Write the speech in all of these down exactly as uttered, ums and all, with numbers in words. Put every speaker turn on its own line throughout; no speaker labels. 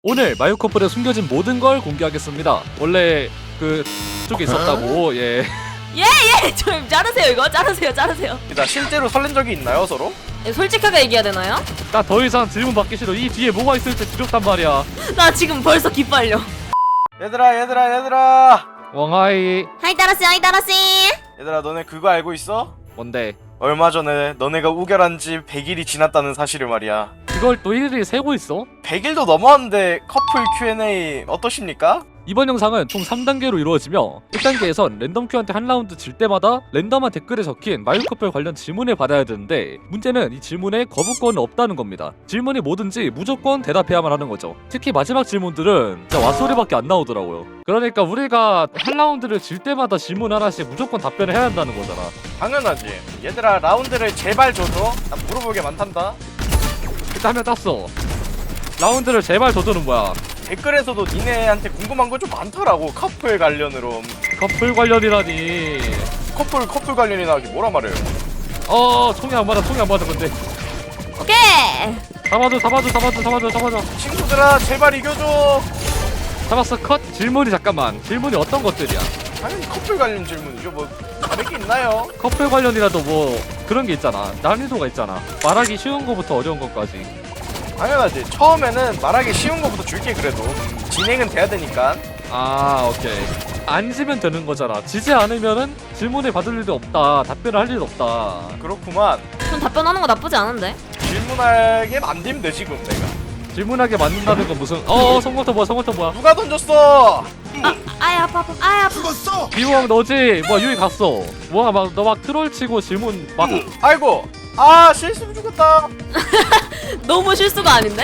오늘 마유 커플에 숨겨진 모든 걸 공개하겠습니다. 원래 그 쪽에 있었다고. 예.
예예 좀 자르세요 이거 자르세요 자르세요.
나 실제로 설렌 적이 있나요 서로?
예, 솔직하게 얘기해야 되나요?
나 더 이상 질문 받기 싫어. 이 뒤에 뭐가 있을지 두렵단 말이야.
나 지금 벌써 기빨려.
얘들아 얘들아 얘들아
왕하이.
하이 따라씨 하이 따라씨.
얘들아 너네 그거 알고 있어?
뭔데?
얼마 전에 너네가 우결한 지 백 일이 지났다는 사실을 말이야.
그걸 또 일일이 세고 있어?
백 일도 넘었는데 커플 큐 앤 에이 어떠십니까?
이번 영상은 총 삼 단계로 이루어지며 일 단계에선 랜덤 큐한테 한 라운드 질 때마다 랜덤한 댓글에 적힌 마유 커플 관련 질문을 받아야 되는데, 문제는 이 질문에 거부권은 없다는 겁니다. 질문이 뭐든지 무조건 대답해야만 하는 거죠. 특히 마지막 질문들은 진짜 왓소리밖에 안 나오더라고요. 그러니까 우리가 한 라운드를 질 때마다 질문 하나씩 무조건 답변을 해야 한다는 거잖아.
당연하지. 얘들아 라운드를 제발 줘줘. 난 물어볼 게 많단다.
그때 한 명 땄어. 라운드를 제발 줘줘는 뭐야?
댓글에서도 니네한테 궁금한 거 좀 많더라고. 커플 관련으로.
커플 관련이라니.
커플 커플 관련이나 하기 뭐라 말해요.
어 총이 안 맞아 총이 안 맞아. 근데
오케이.
잡아줘 잡아줘 잡아줘 잡아줘 잡아줘.
친구들아 제발 이겨줘.
잡았어. 컷. 질문이 잠깐만. 질문이 어떤 것들이야?
당연히 커플 관련 질문이죠. 뭐 다를 게 있나요?
커플 관련이라도 뭐 그런 게 있잖아. 난이도가 있잖아. 말하기 쉬운 거부터 어려운 것까지.
당연하지. 처음에는 말하기 쉬운 거부터 줄게. 그래도 진행은 돼야 되니까.
아 오케이. 안 지면 되는 거잖아. 지지 않으면은 질문을 받을 일도 없다. 답변을 할 일도 없다.
그렇구만.
좀 답변하는 거 나쁘지 않은데.
질문하게 만들면 돼 지금 내가.
질문하게 만든다는 건 무슨 어 성공터 뭐야 성공터 뭐야.
누가 던졌어?
아 아이 아파 아파 아이 아파.
비호왕 너지. 뭐야 유이 갔어. 뭐야 막 너 막 트롤 치고 질문 막.
아이고. 아 실수로 죽었다.
너무 실수가 아닌데?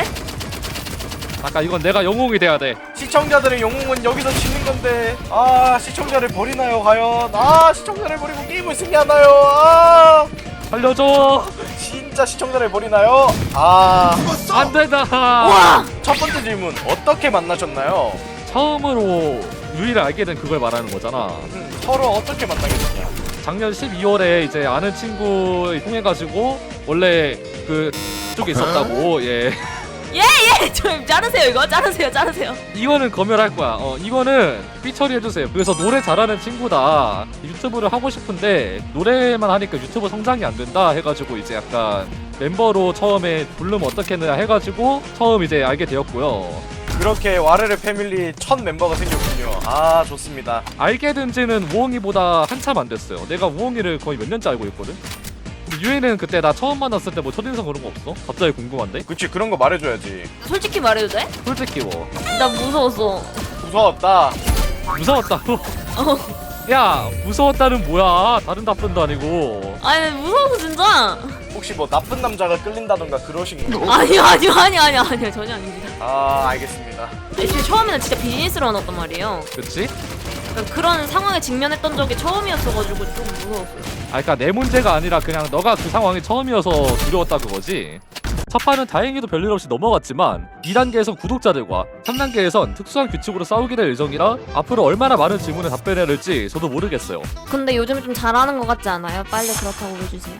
아까 이건 내가 영웅이 돼야 돼.
시청자들의 영웅은 여기서 지는 건데. 아 시청자를 버리나요 과연? 아 시청자를 버리고 게임을 승리하나요? 아
살려줘.
진짜 시청자를 버리나요? 아
안 된다.
와.
첫 번째 질문 어떻게 만나셨나요?
처음으로 유이를 알게 된 그걸 말하는 거잖아.
음, 서로 어떻게 만나게 됐냐?
작년 십이월에 이제 아는 친구 통해가지고 원래 그 쪽에 있었다고. 예.
예예 좀 자르세요 이거 자르세요 자르세요.
이거는 검열할 거야. 어 이거는 삐 처리해주세요. 그래서 노래 잘하는 친구다. 유튜브를 하고 싶은데 노래만 하니까 유튜브 성장이 안 된다 해가지고 이제 약간 멤버로 처음에 부르면 어떻겠느냐 해가지고 처음 이제 알게 되었고요.
그렇게 와르르 패밀리 첫 멤버가 생겼군요. 아 좋습니다.
알게 된 지는 우엉이보다 한참 안 됐어요. 내가 우엉이를 거의 몇 년째 알고 있거든. 근데 유이는 그때 나 처음 만났을 때 뭐 첫인상 그런 거 없어? 갑자기 궁금한데?
그치 그런 거 말해줘야지.
솔직히 말해도 돼?
솔직히 뭐
나 무서웠어.
무서웠다.
무서웠다고?
어.
야 무서웠다는 뭐야? 다른 답변도 아니고.
아니 무서워서 진짜.
혹시 뭐 나쁜 남자가 끌린다던가 그러신 거?
아니요 아니요 아니요 아니요 아니요 전혀 아닙니다.
아 알겠습니다.
애초에 처음에는 진짜 비즈니스로 나왔단 말이에요.
그치?
그러니까 그런 상황에 직면했던 적이 처음이었어가지고 좀 무서웠어요.
아 그니까 내 문제가 아니라 그냥 너가 그 상황이 처음이어서 두려웠다 그거지. 첫 판은 다행히도 별일 없이 넘어갔지만 이 단계에선 구독자들과 삼 단계에선 특수한 규칙으로 싸우게 될 예정이라 앞으로 얼마나 많은 질문에 답변해야 될지 저도 모르겠어요.
근데 요즘 좀 잘하는 것 같지 않아요? 빨리 그렇다고 해주세요.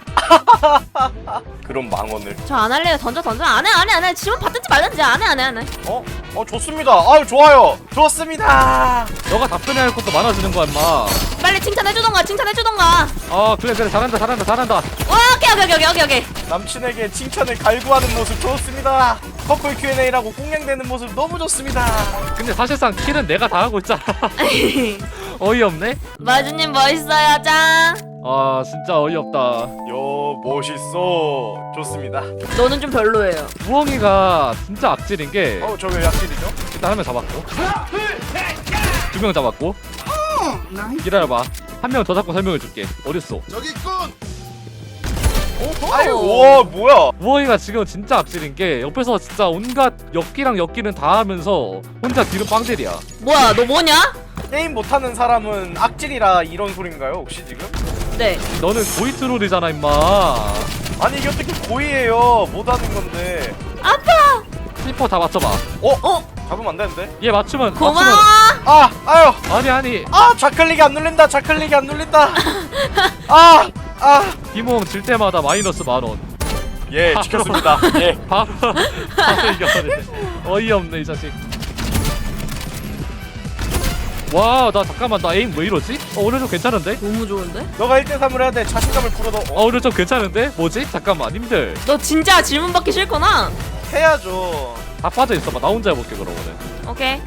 그런 망언을.
저 안 할래요. 던져 던져. 안해 안해 안해. 질문 받든지 말든지 안해 안해 안해.
어? 어 좋습니다. 아유 좋아요. 좋습니다.
너가 답변해야 할 것도 많아지는 거야 임마.
빨리 칭찬해주던가 칭찬해주던가.
아 그래 그래 잘한다 잘한다 잘한다.
와 오케이 오케이 오케이 오케이 오케이.
남친에게 칭찬을 갈구하는 모습 좋습니다. 커플 큐 앤 에이라고 꽁냥대는 모습 너무 좋습니다.
근데 사실상 킬은 내가 다 하고 있잖아. 어이없네?
마주님 멋있어요 짱.
아 진짜 어이없다.
요 멋있어. 좋습니다.
너는 좀 별로예요.
우엉이가 진짜 악질인 게
어 저 왜 약실이죠?
일단 한 명 잡았고 두 명 잡았고 기다려봐. 한 명 더 잡고 설명해줄게. 어딨어?
저기 있군.
아유 와 뭐야?
우엉이가 지금 진짜 악질인 게 옆에서 진짜 온갖 엮기랑 엮기는 다 하면서 혼자 뒤로 빵들이야.
뭐야 너 뭐냐?
게임 못하는 사람은 악질이라 이런 소린가요 혹시 지금?
네.
너는 고이트롤이잖아 임마.
아니 이게 어떻게 고의예요? 못하는 건데.
아파.
슬퍼 다 맞춰봐.
어?
어?
잡으면 안 되는데?
얘 맞추면
고마워.
맞추면
아 아유
아니 아니
아 좌클릭이 안 눌린다. 좌클릭이 안 눌린다. 아 아.
김우엉 질 때마다 마이너스 만원.
예 지켰습니다. 예.
바로 바로 이겨버리네. 어이없네 이 자식. 와, 나 잠깐만, 나 에임 왜 이러지? 어, 오늘 좀 괜찮은데?
너무 좋은데?
너가 일 대 삼을 해야 돼. 자신감을 불어넣어.
어, 오늘 좀 괜찮은데? 뭐지? 잠깐만, 님들
너 진짜 질문 받기 싫구나.
해야죠.
다 빠져 있어봐. 나 혼자 해볼게 그러면은.
오케이.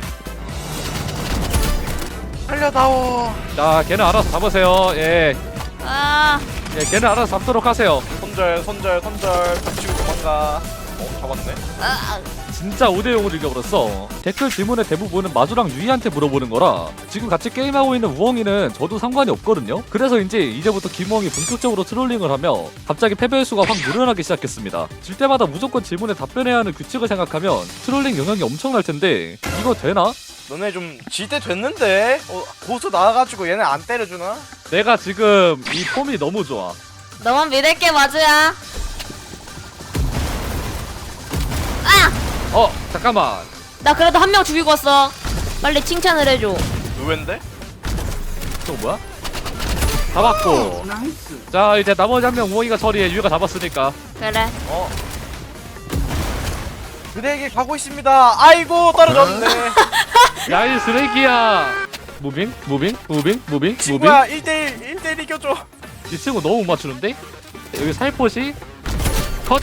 살려다오.
자, 걔는 알아서 잡으세요. 예,
아,
예, 걔는 알아서 잡도록 하세요.
손절 손절 손절. 닥치고 도망가. 어 잡았네.
아,
진짜 오 대 영으로 이겨버렸어. 댓글 질문의 대부분은 마주랑 유이한테 물어보는 거라 지금 같이 게임하고 있는 우엉이는 저도 상관이 없거든요. 그래서인지 이제부터 김우엉이 본격적으로 트롤링을 하며 갑자기 패배 수가 확 늘어나기 시작했습니다. 질 때마다 무조건 질문에 답변해야 하는 규칙을 생각하면 트롤링 영향이 엄청날 텐데 이거 되나?
너네 좀 질 때 됐는데. 어 고수 나와가지고 얘네 안 때려주나?
내가 지금 이 폼이 너무 좋아.
너만 믿을게 마주야. 아,
어, 잠깐만.
나 그래도 한 명 죽이고 왔어. 빨리 칭찬을 해줘.
의외인데?
또 뭐야? 잡았고. 자, 이제 나머지 한 명 우엉이가 처리해. 유이가 잡았으니까.
그래.
어. 그대에게 가고 있습니다. 아이고 떨어졌네.
야, 이 쓰레기야. 무빙? 무빙? 무빙? 무빙? 무빙?
친구야 일 대 일 일 대 일 이겨줘.
이 친구 너무 못 맞추는데? 여기 살포시 컷!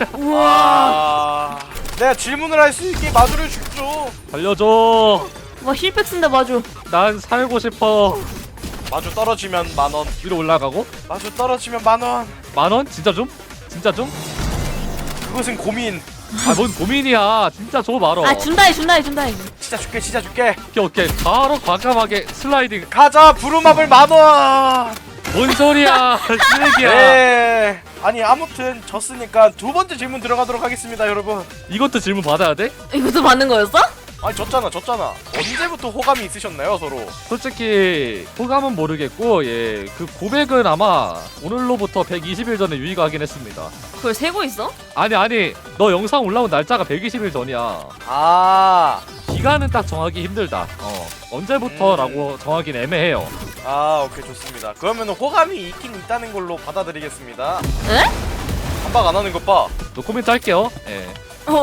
아, 내가 질문을 할 수 있게 마주를 죽죠.
달려줘.
와, 힐팩 쓴다 마주.
난 살고 싶어.
마주 떨어지면 만 원.
위로 올라가고
마주 떨어지면 만 원.
만 원? 진짜 좀? 진짜 좀?
그것은 고민.
아, 뭔 고민이야. 진짜 줘 말어.
아, 준다해 준다해 준다해.
진짜 줄게 진짜 줄게.
오케이 오케이. 바로 과감하게 슬라이딩.
가자 부루마블 만 원.
뭔 소리야. 쓰레기야.
네. 아니 아무튼 졌으니까 두 번째 질문 들어가도록 하겠습니다, 여러분.
이것도 질문 받아야 돼?
이것도 받는 거였어?
아니 졌잖아 졌잖아. 언제부터 호감이 있으셨나요 서로?
솔직히 호감은 모르겠고 예, 그 고백은 아마 오늘로부터 백이십 일 전에 유의가 하긴 했습니다.
그걸 세고 있어?
아니 아니 너 영상 올라온 날짜가 백이십 일 전이야.
아,
기간은 딱 정하기 힘들다. 어 언제부터라고
음.
정하기는 애매해요.
아 오케이 좋습니다. 그러면 호감이 있긴 있다는 걸로 받아들이겠습니다.
에?
한박 안 하는 것 봐.
너 코멘트 할게요. 예.
어,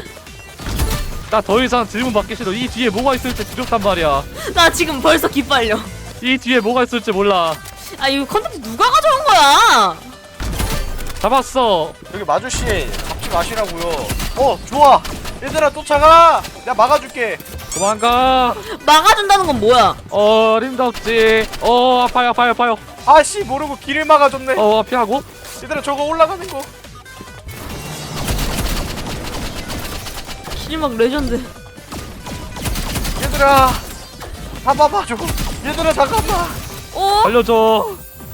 나 더 이상 질문 받기 싫어. 이 뒤에 뭐가 있을지 두렵단 말이야.
나 지금 벌써 기빨려.
이 뒤에 뭐가 있을지 몰라.
아, 이거 컨텐츠 누가 가져온 거야?
잡았어.
여기 마주씨 잡지 마시라고요. 어 좋아. 얘들아 쫓아가. 내가 막아줄게.
도망가.
막아준다는 건 뭐야?
어림덥지. 어 아파요 아파요 아파요.
아씨 모르고 길을 막아줬네.
어 피하고.
얘들아 저거 올라가는 거.
길막 레전드.
얘들아 잡아봐 저거. 얘들아 잠깐만.
어?
알려줘.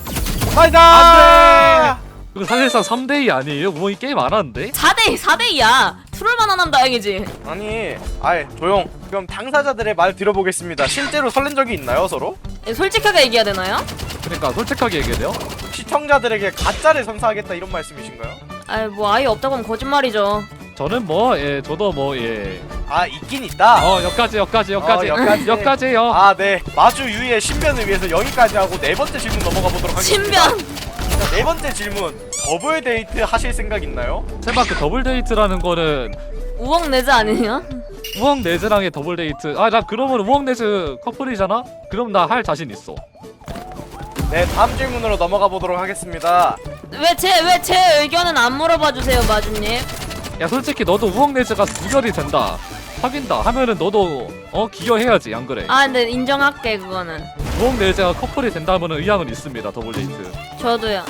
아니다.
이거 사실상 삼 대 이 아니에요? 우엉이 게임 안 하는데?
사 대 사 대 이야. 트롤만 안 하면 다행이지.
아니, 아이 조용. 그럼 당사자들의 말 들어보겠습니다. 실제로 설렌 적이 있나요 서로?
예, 솔직하게 얘기해야 되나요?
그러니까 솔직하게 얘기해야 돼요?
시청자들에게 가짜를 선사하겠다 이런 말씀이신가요?
아이, 뭐 아예 없다고 하면 거짓말이죠.
저는 뭐, 예, 저도 뭐, 예.
아 있긴 있다.
어, 여기까지, 여기까지, 여기까지.
어, 여기까지.
여기까지요.
아 네. 마주 유이의 신변을 위해서 여기까지 하고 네 번째 질문 넘어가 보도록 하겠습니다.
신변.
자, 네 번째 질문. 더블 데이트 하실 생각 있나요?
설마 그 더블 데이트라는 거는
우엉 내즈 아니냐?
우엉 네즈랑의 더블 데이트. 아, 나 그러면 우엉 네즈 커플이잖아? 그럼 나 할 자신 있어.
네, 다음 질문으로 넘어가 보도록 하겠습니다.
왜 제 왜 제 의견은 안 물어봐 주세요, 마주님?
야, 솔직히 너도 우엉 네즈가 구결이 된다. 사귄다 하면은 너도 어 기여해야지, 안 그래?
아, 근데 인정할게 그거는.
우엉 네즈가 커플이 된다면은 의향은 있습니다. 더블 데이트.
저도요.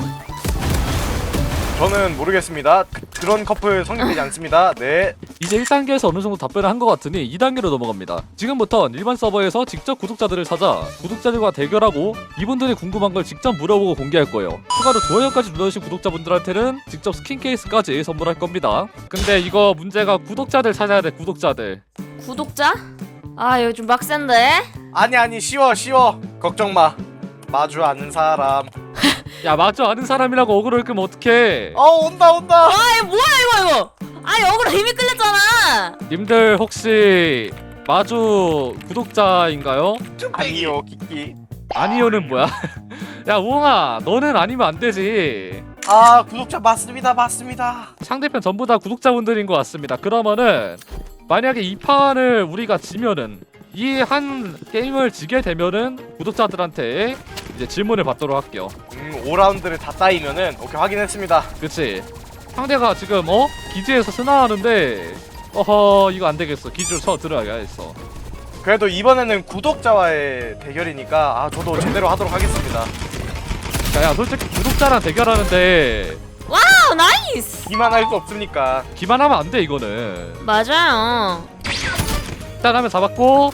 저는 모르겠습니다. 그, 그런 커플 성립되지 않습니다. 네.
이제 일 단계에서 어느 정도 답변을 한 것 같으니 이 단계로 넘어갑니다. 지금부턴 일반 서버에서 직접 구독자들을 찾아 구독자들과 대결하고 이분들이 궁금한 걸 직접 물어보고 공개할 거예요. 추가로 좋아요까지 눌러주신 구독자분들한테는 직접 스킨 케이스까지 선물할 겁니다. 근데 이거 문제가 구독자들 찾아야 돼. 구독자들.
구독자? 아, 이거 좀 빡센데?
아니 아니 쉬워 쉬워. 걱정 마. 마주 아는 사람.
야, 마주 아는 사람이라고 어그로를 끄면 어떡해.
어 온다 온다.
아, 이거 뭐야 이거 이거? 아니, 억울해. 힘이 끌렸잖아.
님들 혹시 마주 구독자인가요?
아니요 키키.
아니요는 뭐야? 야, 우엉아, 너는 아니면 안 되지.
아 구독자 맞습니다 맞습니다.
상대편 전부 다 구독자분들인 것 같습니다. 그러면은 만약에 이 판을 우리가 지면은 이 한 게임을 지게 되면은 구독자들한테 이제 질문을 받도록 할게요.
음 오 라운드를 다 따이면은 오케이 확인했습니다.
그치? 상대가 지금 어? 기지에서 스나하는데 어허 이거 안되겠어. 기지로 쳐 들어야겠어.
그래도 이번에는 구독자와의 대결이니까 아 저도 제대로 하도록 하겠습니다.
야, 야 솔직히 구독자랑 대결하는데
와우 나이스.
기만할 수 없으니까.
기만하면 안 돼 이거는.
맞아요.
일단 하면 잡았고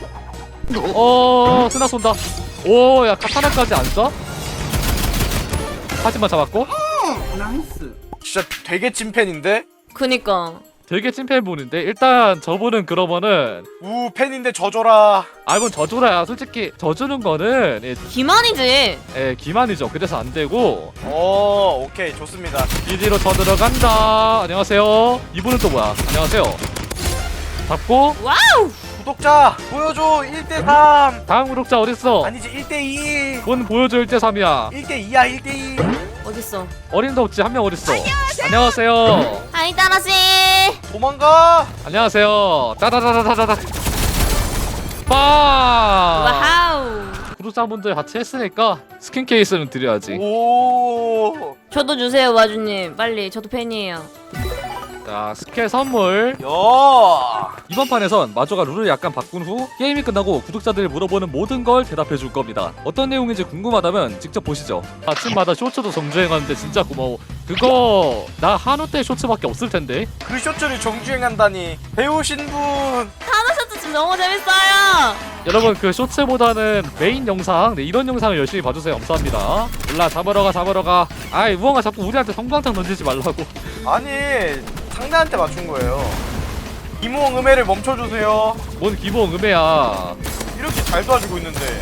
어 스나 쏜다. 오야 카타나까지 안 쏴? 하지만 잡았고
진짜 되게 찐팬인데?
그니까.
되게 찐팬분인데 일단 저분은 그러면은
우 팬인데 져줘라.
아 이건 저주라야. 솔직히 저주는 거는 예,
기만이지.
예, 기만이죠. 그래서 안 되고
오 오케이 좋습니다.
기지로 쳐 들어간다. 안녕하세요. 이분은 또 뭐야? 안녕하세요. 잡고
와우.
구독자 보여줘. 일 대 삼.
다음 구독자 어딨어?
아니지 일 대 이.
뭔 보여줘 일 대 삼이야.
일 대 이야 일 대 이.
어딨어?
어림도 없지. 한 명 어딨어? 안녕하세요.
하이 따라씨.
도망가.
안녕하세요. 따다다다다다다. 빠.
와우.
구독자분들 같이 했으니까 스킨 케이스는 드려야지.
오.
저도 주세요 와주님. 빨리. 저도 팬이에요.
자 스킬 선물.
야.
이번 판에선 마조가 룰을 약간 바꾼 후 게임이 끝나고 구독자들이 물어보는 모든 걸 대답해 줄 겁니다. 어떤 내용인지 궁금하다면 직접 보시죠. 아침마다 쇼츠도 정주행하는데 진짜 고마워. 그거 나 한우 때 쇼츠밖에 없을 텐데.
그 쇼츠를 정주행한다니. 배우신 분.
하나셔츠 지금 너무 재밌어요.
여러분 그 쇼츠보다는 메인 영상 네, 이런 영상을 열심히 봐주세요. 감사합니다. 몰라 잡으러 가 잡으러 가. 아이 무언가 자꾸 우리한테 성광탄 던지지 말라고.
아니 상대한테 맞춘 거예요. 이모응 음해를 멈춰주세요.
뭔 기본 음해야.
이렇게 잘 도와주고 있는데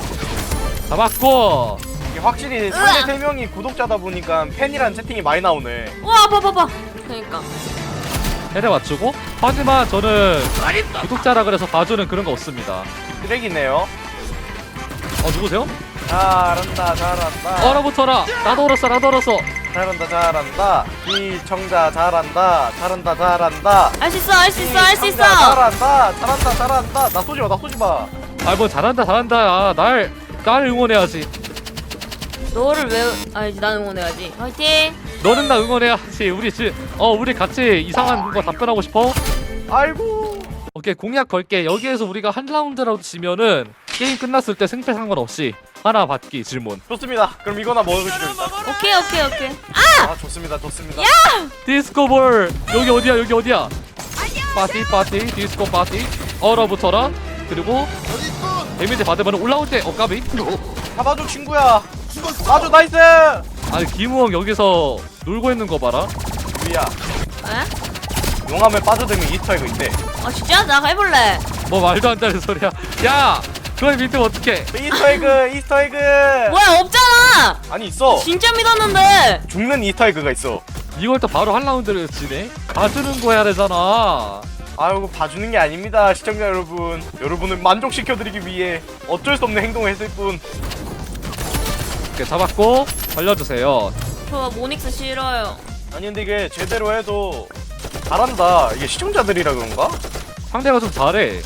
잡았고.
이게 확실히 상대 세 명이 구독자다 보니까 팬이란 채팅이 많이 나오네.
와 봐봐봐. 그니까.
해를 맞추고. 하지만 저는 구독자라 그래서 봐주는 그런 거 없습니다.
쓰레기네요.
어 누구세요?
잘한다 잘한다
얼어붙어라. 나도 얼었어 나도 얼었어.
잘한다 잘한다 시청자 잘한다 잘한다 잘한다
할 수 있어 할 수 있어 할 수 있어.
시청자 잘한다 잘한다 잘한다 나 쏘지마 나 쏘지마.
아 뭐 잘한다 잘한다. 날, 날 응원해야지.
너를 왜? 아니지 난 응원해야지. 화이팅.
너는 나 응원해야지. 우리 지, 어 우리 같이 이상한 거 답변하고 싶어?
아이고
오케이 공약 걸게. 여기에서 우리가 한 라운드라도 지면은 게임 끝났을 때 승패 상관없이 하나 받기 질문.
좋습니다. 그럼 이거나 먹으시죠 일단.
오케이 오케이 오케이.
아 좋습니다 좋습니다.
디스코볼 여기 어디야 여기 어디야? 파티 파티 디스코 파티. 얼어붙어라. 그리고 데미지 받으면 올라올 때 어까비.
잡아줘 친구야. 아주 나이스.
아니 김우엉 여기서 놀고 있는 거 봐라.
우리야
에?
용암에 빠져들면 이스터에그 있대.
아 진짜? 나 해볼래.
뭐 말도 안 되는 소리야. 야 그걸 믿으면 어떡해.
이스터에그 이스터에그.
뭐야 없잖아.
아니 있어.
진짜 믿었는데.
죽는 이스터에그가 있어.
이걸 또 바로 한 라운드를 지네? 가주는 거 해야 되잖아.
아이고 봐주는 게 아닙니다 시청자 여러분. 여러분을 만족시켜드리기 위해 어쩔 수 없는 행동을 했을 뿐.
이렇게 잡았고 벌려주세요.
저 모닉스 싫어요.
아니 근데 이게 제대로 해도 잘한다. 이게 시청자들이라 그런가?
상대가 좀 잘해.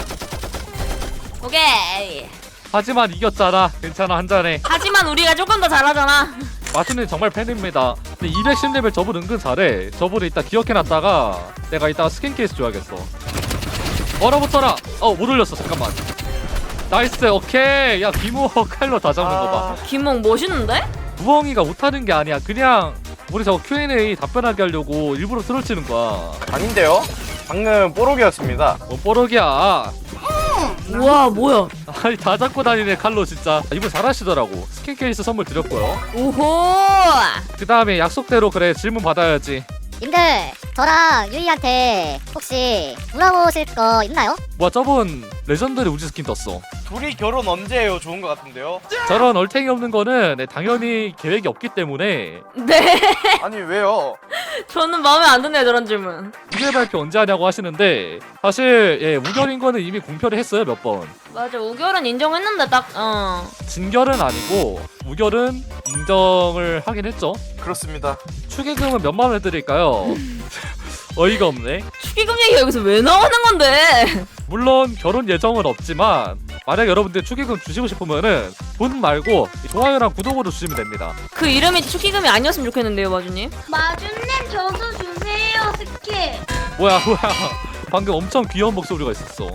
오케이.
하지만 이겼잖아. 괜찮아 한잔해.
하지만 우리가 조금 더 잘하잖아.
마수님 정말 팬입니다. 근데 이백십 레벨 저분 은근 잘해. 저분을 이따 기억해놨다가 내가 이따가 스킨 케이스 줘야겠어. 얼어붙어라. 어 못 올렸어. 잠깐만. 나이스. 오케이. 야 김우엉 칼로 다 잡는 거 봐.
김몽 멋있는데?
우엉이가 못하는 게 아니야. 그냥 우리 저거 큐 앤 에이 답변하게 하려고 일부러 트롤 치는 거야.
아닌데요? 방금 뽀록이었습니다.
뭔 뽀록이야.
우와 뭐야?
아니 다 잡고 다니네 칼로 진짜. 이분 잘하시더라고. 스킨 케이스 선물 드렸고요.
오호.
그 다음에 약속대로 그래 질문 받아야지.
님들 저랑 유이한테 혹시 물어보실 거 있나요?
뭐야 저분 레전더리 우지 스킨 떴어.
둘이 결혼 언제 해요? 좋은 것 같은데요?
저런 얼탱이 없는 거는 네, 당연히 계획이 없기 때문에.
네.
아니 왜요?
저는 마음에 안 드네요 저런 질문.
우결 발표 언제 하냐고 하시는데 사실 예 우결인 거는 이미 공표를 했어요 몇 번.
맞아 우결은 인정했는데 딱 어.
진결은 아니고 우결은 인정을 하긴 했죠.
그렇습니다.
축의금은 몇만 원 해드릴까요? 어이가 없네.
축의금 얘기가 여기서 왜 나오는 건데?
물론 결혼 예정은 없지만 만약 여러분들 축의금 주시고 싶으면은 돈 말고 좋아요랑 구독으로 주시면 됩니다.
그 이름이 축의금이 아니었으면 좋겠는데요, 마주님.
마주님 저도 주세요 스킬.
뭐야 뭐야 방금 엄청 귀여운 목소리가 있었어.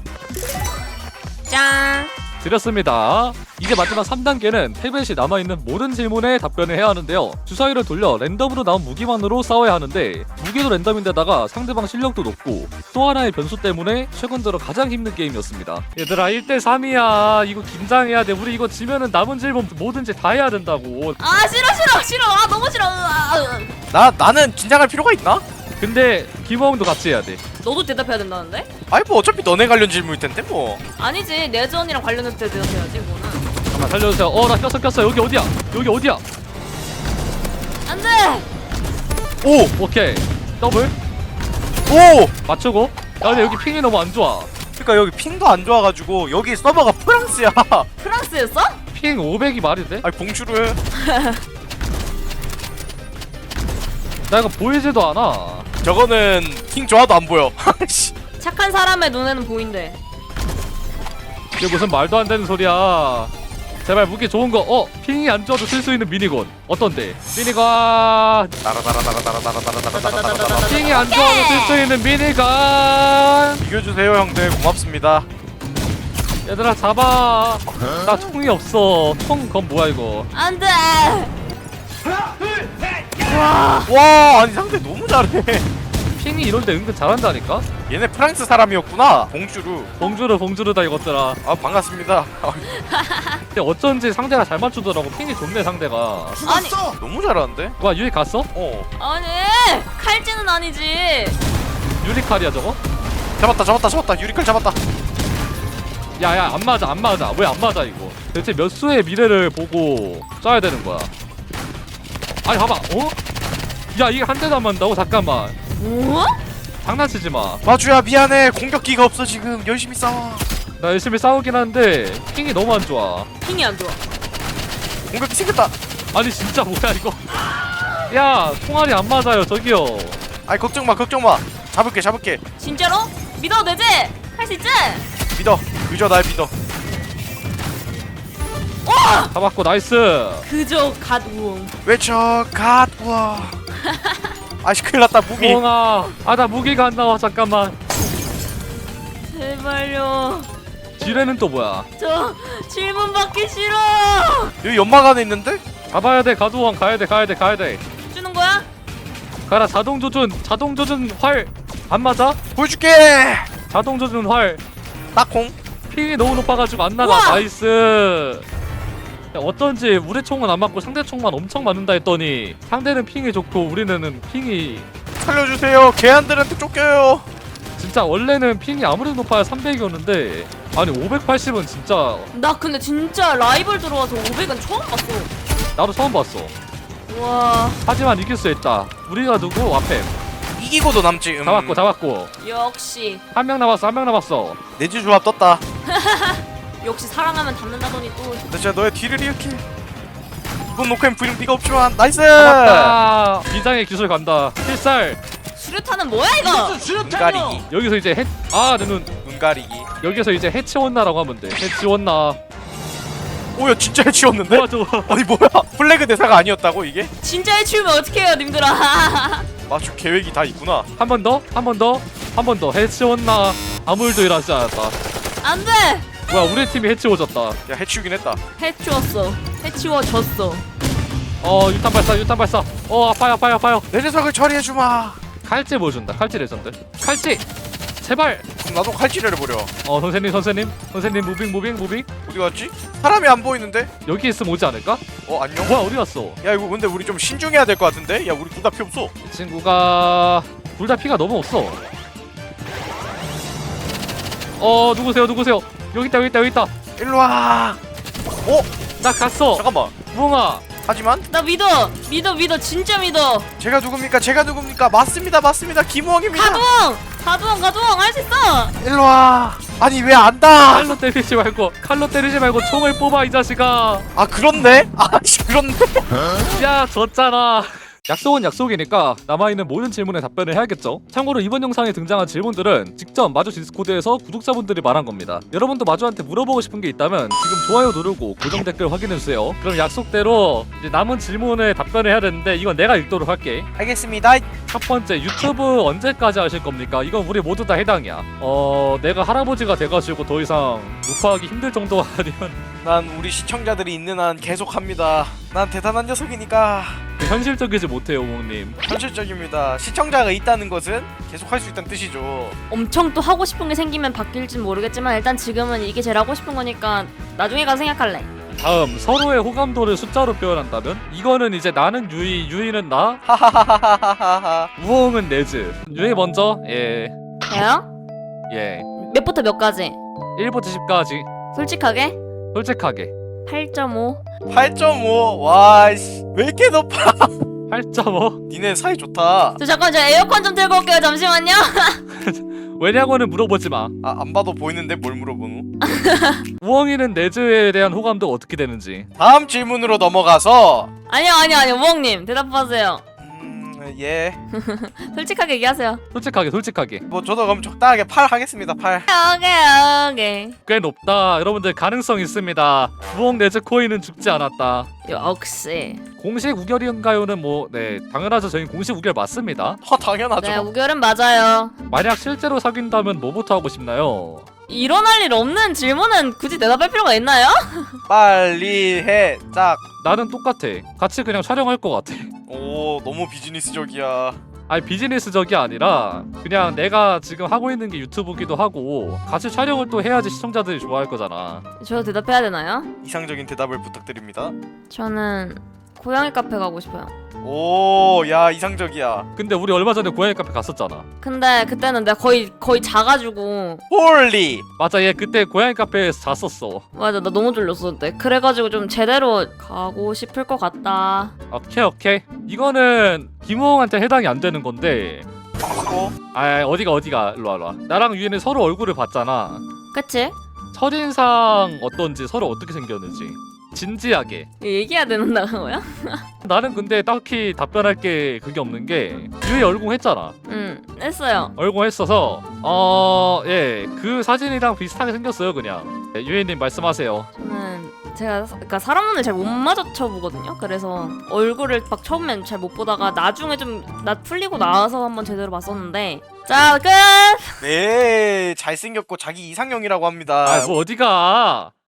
짠.
드렸습니다. 이제 마지막 삼 단계는 탭에 시 남아있는 모든 질문에 답변을 해야 하는데요. 주사위를 돌려 랜덤으로 나온 무기만으로 싸워야 하는데 무기도 랜덤인데다가 상대방 실력도 높고 또 하나의 변수 때문에 최근 들어 가장 힘든 게임이었습니다. 얘들아 일 대 삼이야. 이거 긴장해야 돼. 우리 이거 지면은 남은 질문 뭐든지 다 해야 된다고.
아 싫어 싫어 싫어. 아 너무 싫어. 아, 아.
나 나는 긴장할 필요가 있나?
근데 김호웅도 같이 해야 돼.
너도 대답해야 된다는데?
아니 뭐 어차피 너네 관련 질문일 텐데 뭐.
아니지 내전이랑 관련해서 대답해야지 뭐는.
잠깐 살려주세요. 어 나 꼈어 꼈어. 여기 어디야? 여기 어디야?
안돼.
오!
오케이 더블
오!
맞추고. 야 근데 여기 핑이 너무 안 좋아.
그러니까 여기 핑도 안 좋아가지고 여기 서버가 프랑스야.
프랑스였어?
핑 오백이 말이 돼?
아니 봉주르.
나 이거 보이지도 않아.
저거는 핑 좋아도 안 보여. 씨.
착한 사람의 눈에는 보인대.
이게 무슨 말도 안 되는 소리야. 제발 무기 좋은 거. 어 핑이 안 좋아도 쓸 수 있는 미니건 어떤데? 미니건
나라나라나라나라나라나라나라나라.
핑이 안 좋아도 쓸 수 있는 미니건.
이겨주세요 형들 고맙습니다.
얘들아 잡아. 나 총이 없어. 총 그건 뭐야 이거.
안돼.
와 아니 상대 너무 잘해.
핑이 이런데 은근 잘한다니까.
얘네 프랑스 사람이었구나. 봉주르.
봉주르 봉주르다 이것들아.
아 반갑습니다.
근데 어쩐지 상대가 잘 맞추더라고. 핑이 좋네 상대가.
아니
너무 잘하는데?
와 유리 갔어?
어
아니 칼찌는 아니지.
유리칼이야 저거?
잡았다 잡았다 잡았다 유리칼 잡았다.
야야 안 맞아 안 맞아. 왜 안 맞아 이거. 대체 몇 수의 미래를 보고 쏴야 되는 거야. 아니 봐봐 어? 야 이게 한 대도 안 맞는다고? 잠깐만
뭐?
장난치지 마.
마주야 미안해 공격기가 없어 지금 열심히 싸워.
나 열심히 싸우긴 한데 핑이 너무 안 좋아.
핑이 안 좋아.
공격기 생겼다.
아니 진짜 뭐야 이거. 야 총알이 안 맞아요 저기요.
아이 걱정마 걱정마 잡을게 잡을게.
진짜로? 믿어도 되지? 할 수 있지?
믿어 그저 날 믿어.
와!
잡았고 나이스.
그저 갓우웅.
외쳐 갓와. 아씨 큰일났다 무기.
뽕아 아 나 무기가 안 나와. 잠깐만.
제발요.
지뢰는 또 뭐야.
저 질문 받기 싫어.
여기 연막 안에 있는데?
가봐야 돼. 가두왕 가야돼 가야돼 가야돼.
주는 거야?
가라. 자동 조준 자동 조준 활. 안 맞아?
보여줄게.
자동 조준 활.
딱콩.
핑이 너무 높아가지고 안 나가.
우와!
나이스. 야, 어쩐지 우리 총은 안 맞고 상대 총만 엄청 맞는다 했더니 상대는 핑이 좋고 우리는 핑이
살려주세요. 개한들한테 쫓겨요.
진짜 원래는 핑이 아무래도 높아야 삼백이었는데 아니 오백팔십은 진짜
나 근데 진짜 라이벌 들어와서 오백은 처음 봤어.
나도 처음 봤어.
와
하지만 이길 수 있다. 우리가 누구? 와팸.
이기고도 남지. 음.
잡았고 잡았고
역시
한 명 남았어 한 명 남았어.
내주 조합 떴다.
역시 사랑하면 닮는다더니 또
나 진짜 너의 뒤를 이렇게. 이번 녹화엔 브이는 비가 없지만 나이스.
잡았다. 비장의 기술 간다. 필살.
수류탄은 뭐야 이거?
은가리기.
여기서 이제 해... 아 내 눈.
은가리기.
여기서 이제 해치웠나라고 하면 돼. 해치웠나.
오야 진짜 해치웠는데?
뭐야 저거.
아니 뭐야 플래그 대사가 아니었다고 이게?
진짜 해치우면 어떡해요 님들아.
마주 계획이 다 있구나.
한 번 더? 한 번 더? 한 번 더. 해치웠나. 아무 일도 일어나지 않았다.
안돼.
뭐야 우리 팀이 해치워졌다.
야 해치우긴 했다.
해치웠어. 해치워졌어.
어 유탄 발사 유탄 발사. 어 아파요 아파요 아파요.
내 녀석을 처리해주마.
칼찌 보여준다. 칼찌 레전드. 칼찌. 제발.
그럼 나도 칼질을 해버려.
어 선생님 선생님 선생님 무빙 무빙 무빙.
어디 갔지? 사람이 안 보이는데?
여기 있으면 오지 않을까?
어 안녕?
뭐야 어디 갔어?
야 이거 근데 우리 좀 신중해야 될 것 같은데? 야 우리 둘 다 피 없어.
이 친구가 둘 다 피가 너무 없어. 어 누구세요 누구세요? 여기 있다 여기 있다 여기 있다.
일로와. 어?
나 갔어.
잠깐만.
무엉아.
하지만
나 믿어. 믿어 믿어 진짜 믿어.
제가 누굽니까? 제가 누굽니까? 맞습니다 맞습니다 김호왕입니다.
가두엉. 가두엉 가두엉 할 수 있어.
일로와. 아니 왜 안다?
칼로 때리지 말고 칼로 때리지 말고 총을 뽑아 이 자식아.
아 그렇네? 아씨 그렇네.
야 졌잖아. 약속은 약속이니까 남아있는 모든 질문에 답변을 해야겠죠. 참고로 이번 영상에 등장한 질문들은 직접 마주 디스코드에서 구독자분들이 말한 겁니다. 여러분도 마주한테 물어보고 싶은 게 있다면 지금 좋아요 누르고 고정 댓글 확인해주세요. 그럼 약속대로 이제 남은 질문에 답변을 해야 되는데 이건 내가 읽도록 할게.
알겠습니다.
첫 번째, 유튜브 언제까지 하실 겁니까? 이건 우리 모두 다 해당이야. 어... 내가 할아버지가 돼가지고 더 이상 녹화하기 힘들 정도 아니면
난 우리 시청자들이 있는 한 계속합니다. 난 대단한 녀석이니까.
현실적이지 못해요, 우몽님.
현실적입니다. 시청자가 있다는 것은 계속할 수 있다는 뜻이죠.
엄청 또 하고 싶은 게 생기면 바뀔진 모르겠지만 일단 지금은 이게 제일 하고 싶은 거니까 나중에 가서 생각할래.
다음, 서로의 호감도를 숫자로 표현한다면? 이거는 이제 나는 유이, 유이는 나,
하하하하하하.
우엉은 네즈. 유이 먼저. 예.
저요?
예.
몇부터 몇까지?
일부터 십까지.
솔직하게?
솔직하게.
팔 점 오.
팔 점 오. 와, 씨. 왜 이렇게 높아?
팔 점 오.
니네 사이 좋다.
저 잠깐 저 에어컨 좀 틀고 올게요. 잠시만요.
왜냐고는 물어보지 마.
아, 안 봐도 보이는데 뭘 물어보노?
우엉이는 네즈에 대한 호감도가 어떻게 되는지.
다음 질문으로 넘어가서
아니요 아니요 아니요 우엉님 대답하세요.
음, 예.
솔직하게 얘기하세요.
솔직하게, 솔직하게.
뭐 저도 그럼 적당하게 팔 하겠습니다. 팔.
오케이 오케이.
꽤 높다. 여러분들 가능성 있습니다. 우엉 네즈 코인은 죽지 않았다.
역시.
공식 우결인가요는 뭐, 네, 당연하죠. 저희 공식 우결 맞습니다.
아, 당연하죠.
네 우결은 맞아요.
만약 실제로 사귄다면 뭐부터 하고 싶나요?
일어날 일 없는 질문은 굳이 대답할 필요가 있나요?
빨리 해. 짝.
나는 똑같아. 같이 그냥 촬영할 것 같아.
오, 너무 비즈니스적이야.
아니 비즈니스적이 아니라 그냥 내가 지금 하고 있는 게 유튜브기도 하고 같이 촬영을 또 해야지 시청자들이 좋아할 거잖아.
저 대답해야 되나요?
이상적인 대답을 부탁드립니다.
저는 고양이 카페 가고 싶어요.
오, 야, 이상적이야.
근데 우리 얼마 전에 고양이 카페 갔었잖아.
근데 그때는 내가 거의 거의 자가지고
홀리.
맞아, 얘 그때 고양이 카페에서 잤었어.
맞아 나 너무 졸렸어 그때. 그래가지고 좀 제대로 가고 싶을 것 같다.
오케이 오케이. 이거는 김호웅한테 해당이 안 되는 건데.
어?
아 어디가 어디가 일로 와 일로 와. 나랑 유이는 서로 얼굴을 봤잖아.
그치?
첫인상 어떤지, 서로 어떻게 생겼는지 진지하게.
이거 얘기해야 되는 거야?
나는 근데 딱히 답변할 게 그게 없는 게 유이 얼공했잖아.
응 했어요.
얼공했어서 어예그 사진이랑 비슷하게 생겼어요 그냥. 네, 유이님 말씀하세요.
저는 제가 사- 그러니까 사람 눈을 잘 못 마주쳐 보거든요. 그래서 얼굴을 막 처음엔 잘 못 보다가 나중에 좀 나 풀리고 나서 한번 제대로 봤었는데. 자 끝.
네, 잘생겼고 자기 이상형이라고 합니다.
아 뭐 어디가